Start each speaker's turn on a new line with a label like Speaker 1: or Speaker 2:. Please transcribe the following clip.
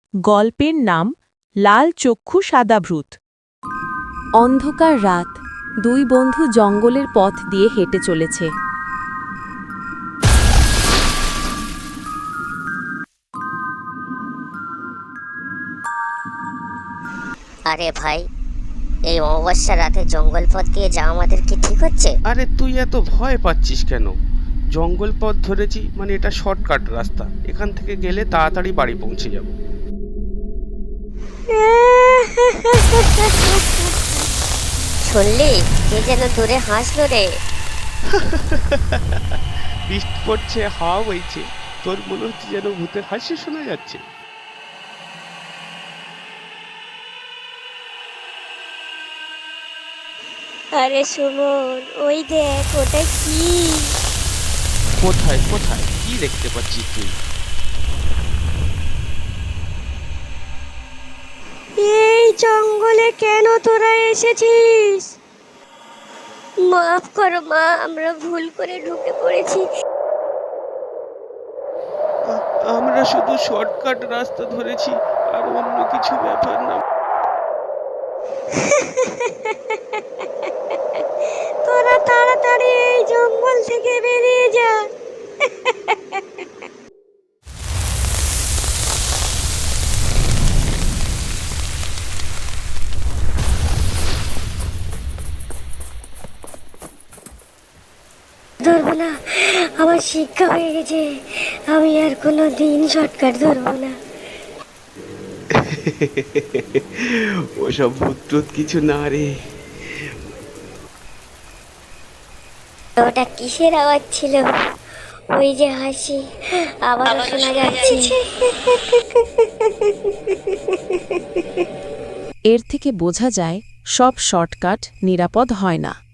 Speaker 1: গল্পের নাম লাল চক্ষু সাদা ভূত।
Speaker 2: অন্ধকার রাত, দুই বন্ধু জঙ্গলের পথ দিয়ে হেঁটে চলেছে।
Speaker 3: আরে ভাই, এই অমাবস্যা রাতে জঙ্গল পথ দিয়ে যাওয়া আমাদের কি ঠিক হচ্ছে?
Speaker 4: আরে তুই এত ভয় পাচ্ছিস কেন? জঙ্গল পথ ধরেছি মানে এটা শর্টকাট রাস্তা, এখান থেকে গেলে তাড়াতাড়ি বাড়ি পৌঁছে যাব।
Speaker 3: শুনলি, কে যেন দূরে হাসলো রে।
Speaker 4: বৃষ্টি পড়ছে, হাওয়া বইছে, তোর মনে হচ্ছে যেন ভূতের হাসি শোনা যাচ্ছে।
Speaker 3: আরে সুমন, ওই দেখ, ওটা কি?
Speaker 4: কোথায় কোথায় কি দেখতে পাচ্ছিস তুই?
Speaker 3: এই জঙ্গলে কেন তোরা এসেছিস? মাফ করো মা, আমরা ভুল করে ঢুকে পড়েছি।
Speaker 4: আমরা শুধু শর্টকাট রাস্তা ধরেছি, আর অন্য কিছু ব্যাপার না।
Speaker 3: তোরা তাড়াতাড়ি এই জঙ্গল থেকে বেরিয়ে যা। ধরবো না, আমার শিক্ষা হয়ে গেছে। আমি আর কোনো দিন শর্টকাট ধরবো না।
Speaker 4: ওসব ভূত টুত কিছু না রে।
Speaker 3: ওটা কিসের আওয়াজ ছিল? ওই যে হাসি আবার শোনা যাচ্ছে।
Speaker 2: এর থেকে বোঝা যায় সব শর্টকাট নিরাপদ হয় না।